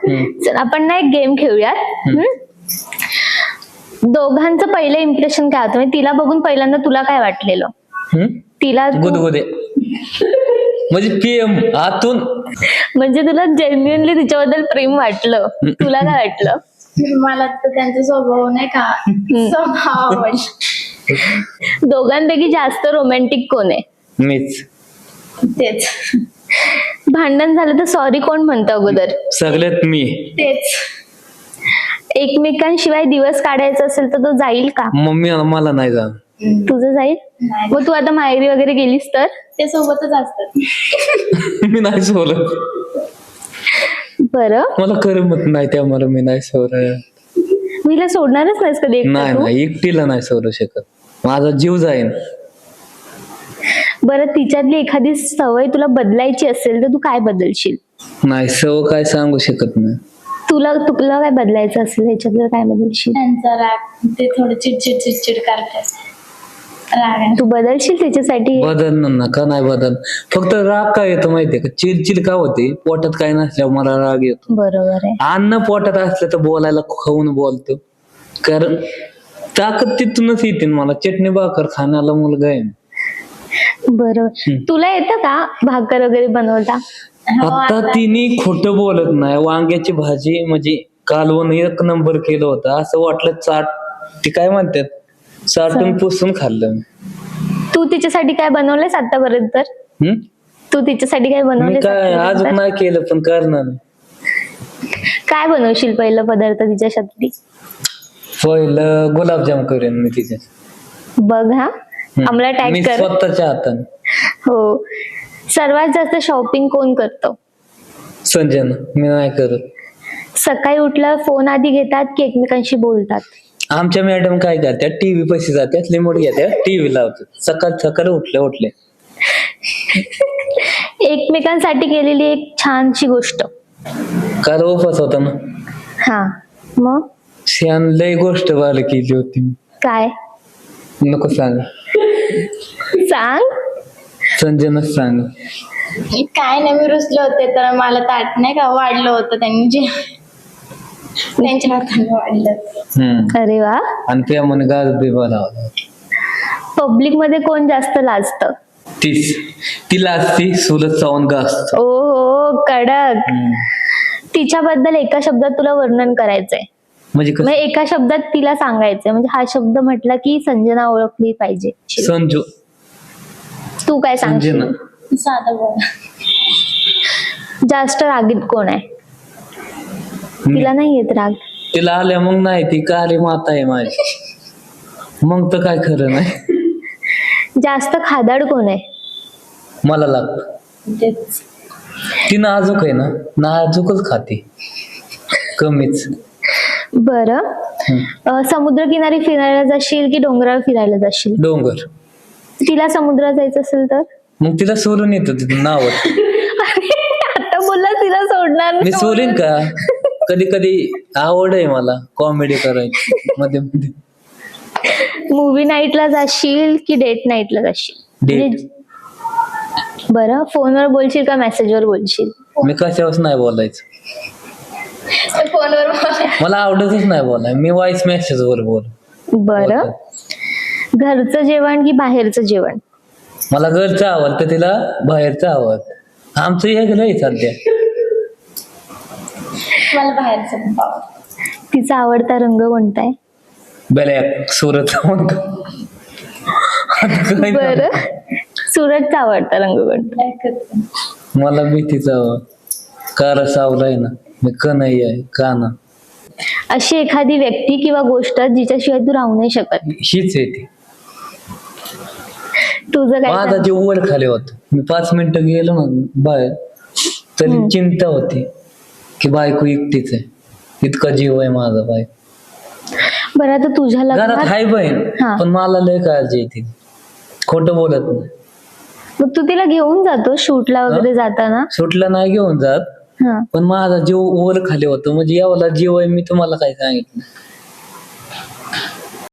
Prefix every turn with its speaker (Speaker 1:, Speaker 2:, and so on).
Speaker 1: चल आपण ना एक गेम खेळूयात. दोघांचं पहिलं इम्प्रेशन काय होतं, म्हणजे तिला बघून पहिल्यांदा तुला काय वाटलेलं? तिला
Speaker 2: गुदगुदे म्हणजे पीएम आतून,
Speaker 1: म्हणजे तुला जेन्युइनली तिच्याबद्दल प्रेम वाटलं? तुला काय वाटलं?
Speaker 3: मला तर त्यांचा स्वभाव नाही का, स्वभाव आवडला.
Speaker 1: दोघांपैकी जास्त रोमॅन्टिक कोण आहे?
Speaker 2: मीच.
Speaker 3: तेच
Speaker 1: भांडण झालं तर सॉरी कोण म्हणतं अगोदर?
Speaker 2: सगळ्यात मी.
Speaker 3: तेच
Speaker 1: एकमेकांशिवाय दिवस काढायचा असेल तर तो जाईल का?
Speaker 2: मम्मी मला नाही जा.
Speaker 1: तुझं जाईल?
Speaker 3: नाही.
Speaker 1: मग तू आता माहेरी वगैरे गेलीस तर?
Speaker 3: ते सोबतच असतात.
Speaker 2: मी नाही सोडत,
Speaker 1: बरं,
Speaker 2: मला करमत नाही त्यामुळे मी नाही सोडत.
Speaker 1: मीला सोडणारच नाहीस कधी एकटं
Speaker 2: नाही
Speaker 1: तू?
Speaker 2: नाही, एकटीला नाही सोडू शकत, माझा जीव जाईन.
Speaker 1: बरं, तिच्यातली एखादी सवय तुला बदलायची असेल तर तू काय बदलशील?
Speaker 2: नाही, सव काय सांगू शकत नाही.
Speaker 1: तुला काय बदलायचं असेल ह्याच्यातलं काय बदलशील?
Speaker 3: त्यांचा राग, ते थोडं चिडचिड करतात. राग आहे.
Speaker 1: तू बदलशील त्याच्यासाठी?
Speaker 2: बदलणार ना, का नाही बदल. फक्त राग काय येतो माहितीये का, चिडचिड का होते, पोटात काय नसल्यावर मला राग येतो.
Speaker 1: बरोबर आहे.
Speaker 2: अन्न पोटात असलं तर बोलायला खाऊन बोलतो, कारण ताकद तिथूनच येते ना. मला चटणी भाकर खाण्याला मुलगा आहे.
Speaker 1: बरोबर. तुला येतं का भाकर वगैरे बनवता?
Speaker 2: आता तिने खोटं बोलत नाही. वांग्याची भाजी म्हणजे कालवण एक नंबर केलं होतं, असं वाटलं चाट, ती काय म्हणतात, चाटून पुसून खाल्लं.
Speaker 1: तू तिच्यासाठी काय बनवलंयस आतापर्यंत? तू तिच्यासाठी काय
Speaker 2: मी
Speaker 1: बनवलंयस
Speaker 2: काय
Speaker 1: आतापर्यंत?
Speaker 2: अजून नाही केलं, पण करणार.
Speaker 1: काय बनवशील पहिलं पदार्थ तिच्यासाठी?
Speaker 2: पहिलं गुलाबजाम करेन मी तिचे.
Speaker 1: बघ हा, आम्हाला
Speaker 2: मी
Speaker 1: टॅग कर.
Speaker 2: स्वतःच्या हाताने.
Speaker 1: हो. सर्वात जास्त शॉपिंग कोण करतो?
Speaker 2: संजना. मी नाही करत.
Speaker 1: सकाळी उठल्यावर फोन आधी घेतात की एकमेकांशी बोलतात?
Speaker 2: आमच्या मॅडम काय करतात, टीव्ही पैसे जातात, लिमोट घेतात, टीव्ही लावतात, सकाळ उठले.
Speaker 1: एकमेकांसाठी केलेली एक छानशी गोष्ट?
Speaker 2: काल उपास होता ना,
Speaker 1: हा, मग
Speaker 2: श्यान लय गोष्ट बाल केली होती.
Speaker 1: काय?
Speaker 2: नको सांग,
Speaker 1: सांग.
Speaker 2: संजनाच सांग.
Speaker 3: काय नाही, मी रुसले होते तर मला ताट नाही का वाढलं होतं त्यांनी, जे त्यांच्या हाताने वाढलं.
Speaker 1: अरे वा.
Speaker 2: आणि त्यामुळे गाज बिबा लावला.
Speaker 1: पब्लिक मध्ये कोण जास्त लाजतं?
Speaker 2: तिला असती सुलत चावून गाजत.
Speaker 1: ओ हो, कडक. तिच्याबद्दल एका शब्दात तुला वर्णन करायचंय,
Speaker 2: म्हणजे
Speaker 1: म्हणजे एका शब्दात तिला सांगायचंय, म्हणजे हा शब्द म्हटला की संजना ओळखली पाहिजे.
Speaker 2: संजू.
Speaker 1: तू काय सांगशील?
Speaker 2: संजना.
Speaker 3: साधं बोल.
Speaker 1: जास्त रागीत कोण आहे? तिला नाही येत राग?
Speaker 2: तिला आल्या मग नाही, ती काली माता आहे माझी, मग तर काय खरं नाही.
Speaker 1: जास्त खादाड कोण आहे?
Speaker 2: मला लागत.
Speaker 3: तेच
Speaker 2: ती नाजूक आहे ना, नाजूकच खाते, कमीच.
Speaker 1: बरं, समुद्र किनारी फिरायला जाशील की डोंगरावर फिरायला जाशील?
Speaker 2: डोंगर.
Speaker 1: तिला समुद्रात जायचं असेल तर?
Speaker 2: मग तिला सोडून येतो तिथून नाव.
Speaker 1: आता बोलला तिला सोडणार
Speaker 2: मी
Speaker 1: नाही.
Speaker 2: सोडीन का? कधी कधी आवड आहे मला कॉमेडी करायची मध्ये मध्ये.
Speaker 1: मूवी नाईटला जाशील की डेट नाईटला जाशील?
Speaker 2: डेट.
Speaker 1: बरं, फोनवर बोलशील का मेसेजवर बोलशील?
Speaker 2: मी कशावर नाही बोलायचं,
Speaker 3: फोनवर बोल.
Speaker 2: मला आवडतच नाही बोलाय, मी व्हॉइस मेसेज वर बोल.
Speaker 1: बरं, घरचं जेवण की बाहेरचं जेवण?
Speaker 2: मला घरचं आवडतं, तिला बाहेरचं आवडतं. आमचं एक नाही सध्या.
Speaker 3: मला बाहेरचं खूप आवडतं.
Speaker 1: तिचा आवडता रंग कोणता आहे?
Speaker 2: ब्लॅक. सुरत.
Speaker 1: बरं, सुरतचा आवडता रंग कोणता?
Speaker 3: ऐकत
Speaker 2: मला भीतीचा कार सावला आहे ना, मी कन्हैया आहे, काना.
Speaker 1: अशी एखादी व्यक्ती किंवा गोष्ट जिच्याशिवाय तू राहू नाही शकत?
Speaker 2: हीच आहे ती.
Speaker 1: तुझं काय
Speaker 2: माझा
Speaker 1: सांग?
Speaker 2: जीव वर खाली होता, मी 5 मिनिटं गेलो ना बाहेर तरी चिंता होती की बायको एकटीच आहे, इतका जीव आहे माझा बाय.
Speaker 1: बरं, आता तुझ्या
Speaker 2: घरात
Speaker 1: लग्नात
Speaker 2: हाय बहीण,
Speaker 1: हा.
Speaker 2: पण मला लय काळजी येते, खोटं बोलत नाही.
Speaker 1: मग तू तिला घेऊन जातो शूटला वगैरे जाताना?
Speaker 2: सुटलं नाही घेऊन जात,
Speaker 1: हा.
Speaker 2: पण माझा जीव वर खाली होतो, म्हणजे एवढा जीव आहे, मी तुम्हाला काय सांगितलं.